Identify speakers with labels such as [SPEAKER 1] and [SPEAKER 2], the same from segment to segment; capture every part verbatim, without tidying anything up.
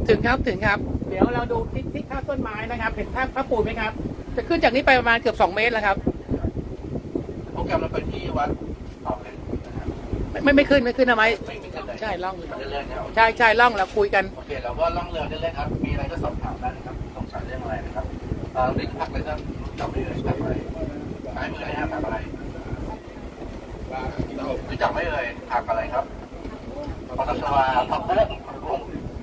[SPEAKER 1] ถึงครับถึงครับ
[SPEAKER 2] เดี๋ยวเราดูที่ที่ข้างต้นไม้นะครับเห็นภาพพระปูนไหมครับ
[SPEAKER 1] จะขึ้นจากนี้ไปประมาณเกือบสองเมตรแล้วครับ
[SPEAKER 3] โปรแกรมเราไปที่วัดต่อเลยนะครับ
[SPEAKER 1] ไม่ไม่ขึ้นไม่ขึ้นนะไหม
[SPEAKER 3] ไม่มีกันเลย
[SPEAKER 1] ใช่ล่อง
[SPEAKER 3] เรื่อยๆนะ
[SPEAKER 1] ใช่ใช่ล่องแล้วคุยกัน
[SPEAKER 3] โอเคเราก็ล่องเรือเรื่อยๆครับมีอะไรก็สอบถามได้นะครับสงสัยเรื่องอะไรนะครับเอ่อนี่พักเลยครับจับไม่เลยจับอะไรหายมือเลยครับผักอะไรรู้จักไม่เลยผักอะไรครับปตชวาผักบุ้งผักบุ้ง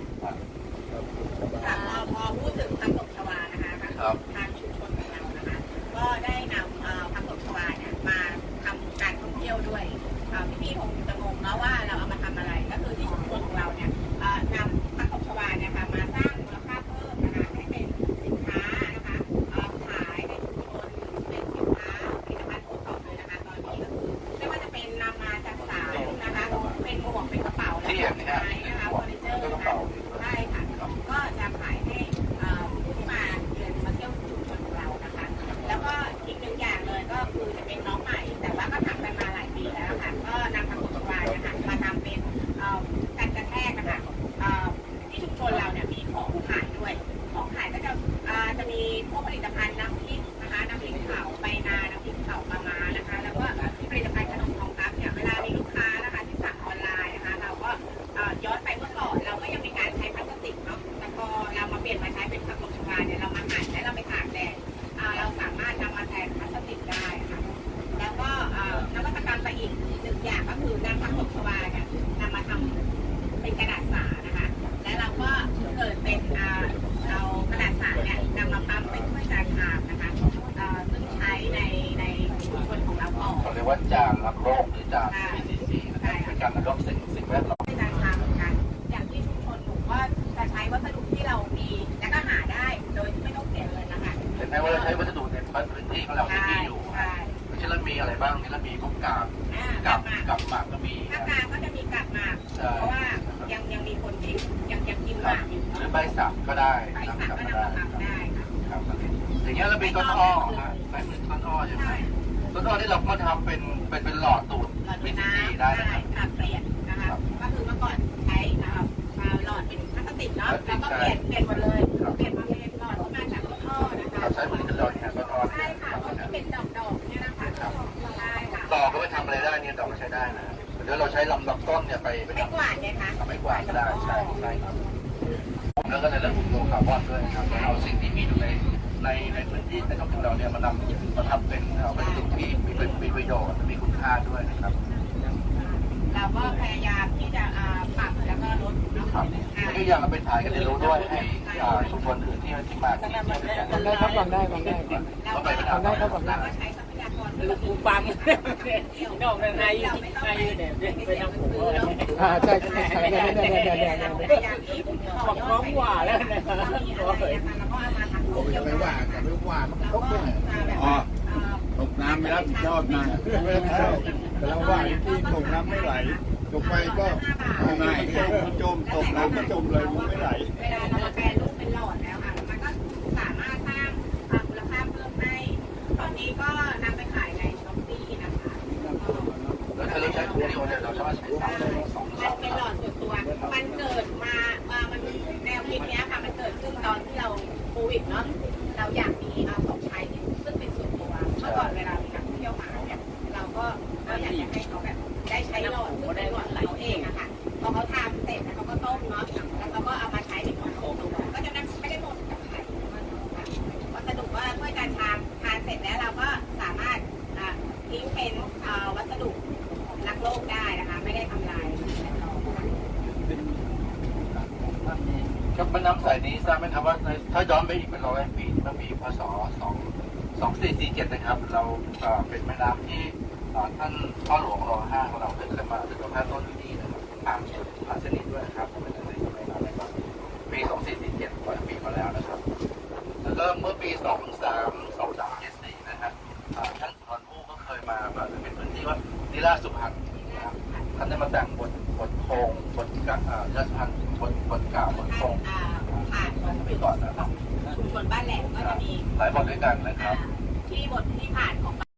[SPEAKER 4] ค่ะพอพูดถึงผักตบชวานะคะทางชุมชนของเรานะคะก็ได้นำผักตบชวาเนี่ยมาทำการท่องเที่ยวด้วยพี่ๆคงจะงงเนาะว่าเราเอามาทำอะไรก็คือที่ชุมชนของเราเนี่ยนำผักตบชวาเนี่ยค่ะมาสร้างมูลค่าเพิ่มนะคะให้เป็นสินค้านะคะขายในชุมชนเป็นสินค้าผลิตภัณฑ์โอท็อปเลยนะคะตอนนี้ก็คือไม่ว่าจะเป็นนำมาจากสายนะคะเป็นหมวกเป็นกระเป๋าและดอกไม้นะคะเฟอร์นิเจอร์นะคะใช่ค่ะก็จะขายให้ผู้ที่มาเยือนมาเที่ยวชุมชนของเรานะคะแล้วก็อีกหนึ่งอย่างเลยก็คือจะเป็นน้องใหม่แต่ว่าก็ทำกันมาหลายปีแล้วค่ะก็นำผักตบชวาเนี่ยค่ะมาทำเป็นการกระแทกนะคะที่ชุมชนเราเนี่ยมีของขายด้วยของขายก็จะจะมีพวกผลิตภัณฑ์น้ำพริกนะคะน้ำพริกเผาใบนาน้ำพริกเผาปลาม้านะคะแล้วก็ผลิตภัณฑ์ขนมทองครับเนี่ยเวลามีลูกค้านะคะที่สั่งออนไลน์นะคะเราก็ย้อนไปเมื่อก่อนเราก็ยังมีการใช้พลาสติกเนาะแต่พอเรามาเปลี่ยนมาใช้เป็นผักตบชวาเนี่ยเรามาหั่นและเราไปตากแดดเราสามารถนำมาแทนพลาสติกได้ค่ะแล้วก็นวัตกรรมไปอีกหนึ่งอย่างก็คือนำผักตบชวาเนี่ยนำมาทำเป็นกระดาษสานะคะและเราก็เกิดเป็นเรากระดาษสาเนี่ยนำมาปั๊มเป็นถ้วยจานชามนะคะซึ่งใช้ในในชุมชนของเราก่อน
[SPEAKER 3] เขาเรียกว่าจานรับโรคหรือจาน พี ซี ซี นะครับเป็นการรับโรคสิ่งสิ่งแวดล้อม
[SPEAKER 4] จานชามเหมือนกันอย่างที่ชุมชนหนูก็จะใช้วัสดุที่เรามีและก็หาได้โดยที่ไม่ต้องเสียเงินนะคะ
[SPEAKER 3] เห็นไหมว่าเราใช้วัสดุในพื้นที่ของเราที่มีอยู่เช่นเรามีอะไรบ้างนี่เรามีพวกกาบกาบกาบหมากก็มี
[SPEAKER 4] ภาคกลางก็จะมีกาบหมากเพราะว่ายังยังมีคนที่ยังยังกินหมากอยู่
[SPEAKER 3] หรือใบสักก็ได้
[SPEAKER 4] ใบสักก็นำมาทำได้ค่ะ
[SPEAKER 3] ครับอย่างเงี้ยเราเป็นต้นอ้อนะใช้เหมือนต้นอ้อใช่ไหมต้นอ้อที่เราก็ทำเป็นเป็นเป็นหลอดตูด
[SPEAKER 4] มีสีได้ค่ะเปลี่ยนนะคะก็คือเมื่อก่อนใช้หลอดเป็นพลาสติกเนาะแล้วก็เปลี่ยนเปลี่ยนหมดเลยเปลี่ยนมาเป็นหลอดที่มาจากต้นอ้อนะคะ
[SPEAKER 3] ใช้เหมือนกันเลยต้นอ้อ
[SPEAKER 4] ใช่ค่ะที่เป็นดอกดอกเนี่ยนะคะใช่ค่ะ
[SPEAKER 3] ดอกก็ไปทำอะไรได้เนี่ยดอกก็ใช้ได้นะเดี๋ยวเราใช้ลำดับต้นเนี่ยไปไป
[SPEAKER 4] ทำไม่กวาดเนี่ยค่ะ
[SPEAKER 3] ทำไม่กวาดก็ได้ใช่ใช่ครับแล้วก็ในเรื่องของโลคาร์บอนด้วยครับเอาสิ่งที่มีอยู่ในในในพื้นที่ในท้องถิ่นเราเนี่ยมานำมาทำเป็นเอาเป็นสิ่งที่มีเป็นมีประโยชน์มีคุณค่าด้วยนะครับ
[SPEAKER 4] เราก็พยายามที่จะปรับแล้วก็ลด
[SPEAKER 3] นะครับแล้วก็ยังเราไปถ่ายกันเรียนรู้ด้วยให้ชุมชนอื่นที่ที่มาที่ที่
[SPEAKER 1] ได้ครับฟังได้ฟังได้
[SPEAKER 3] เราไป
[SPEAKER 1] ฟังได้ครับฟังได้
[SPEAKER 4] ก็ใช้ทรัพยากร
[SPEAKER 2] ลูกปูปั๊มนอกนั้นนายนายเนี่ยเป็นน้ำปู
[SPEAKER 1] อ่าใช่ใช่ใช่เนี่ยเนี่ยเนี่ยเนี่ยเนี่ย
[SPEAKER 2] บอกน้องว่าแล้วนะ
[SPEAKER 5] ผมจะไม่ว่าแต่ไม่ว่ามันครบเลยอ๋อตกน้ำไม่รับผิดชอบนะไม่รับผิดชอบแต่เราว่าที่ตกน้ำไม่ไหลตกไฟก็ไม่ไหลจมตกน้ำก็จมเลยมันไม่ไหล
[SPEAKER 4] เวลาเราแปรรูปเป็นหลอดแล้วค่ะมันก็สามารถสร้างมูลค่าเพิ่มให้ตอนนี้ก็นำไปขายในช้อปปี้นะคะ
[SPEAKER 3] แล้วถ้าเราใช้ถุงเดียวเนี่ยเราสามารถใช้สามสอง
[SPEAKER 4] มันเป็นหลอดส่วนตัวมันเกิดมามันแนวคิดนี้ค่ะมันเกิดขึ้นตอนที่เราโควิดเนาะเราอยากมีของใช้ซึ่งเป็นส่วนตัวเมื่อก่อนเวลามีนักท่องเที่ยวมาเนี่ยเราก็เราอยากจะให้เขาแบบได้ใช้หลอดซึ่งเป็นหลอดเขาเองอะค่ะพอเขาทำเสร็จแล้วเขาก็ต้มเนาะแล้วเขาก็เอามาใช้ในของตัวก็จะไม่ได้หมดกับใครวัสดุว่าถ้วยจานชามทานเสร็จแล้วเราก็สามารถทิ้งเป็นวัสดุรักโลกได้นะคะไม่ได้ทำลายสิ่งแวดล้อม
[SPEAKER 3] ครับแม่น้ำสายนี้ทราบไหมครับว่าถ้าย้อนไปอีกเป็นร้อยปีเมื่อปีพศสองสองสี่สี่เจ็ดนะครับเราเป็นแม่น้ำที่ท่านพ่อหลวงรอห้าของเราเคยมาถึงพระต้นที่นี่นะครับผ่านผ่านเส้นนี้ด้วยนะครับเป็นในสมัยนั้นนะครับปีสองสี่สี่เจ็ดกว่าปีมาแล้วนะครับแล้วก็เมื่อปีสองสามสองสามเจ็ดสี่นะครับท่านสุนทรภู่ก็เคยมาเป็นพื้นที่ว่านิราชสุพรรณนะครับท่านได้มาแต่งบทบทโคงบทกะนิราชสุพรรณบทบทกล่าวบทโคง
[SPEAKER 4] ผ่านของ
[SPEAKER 3] ไปก่อนนะครับ
[SPEAKER 4] ชุมชนบ้านแหลมก็จะมี
[SPEAKER 3] หลายบทด้วยกันนะครับ
[SPEAKER 4] ที่บทที่ผ่านของ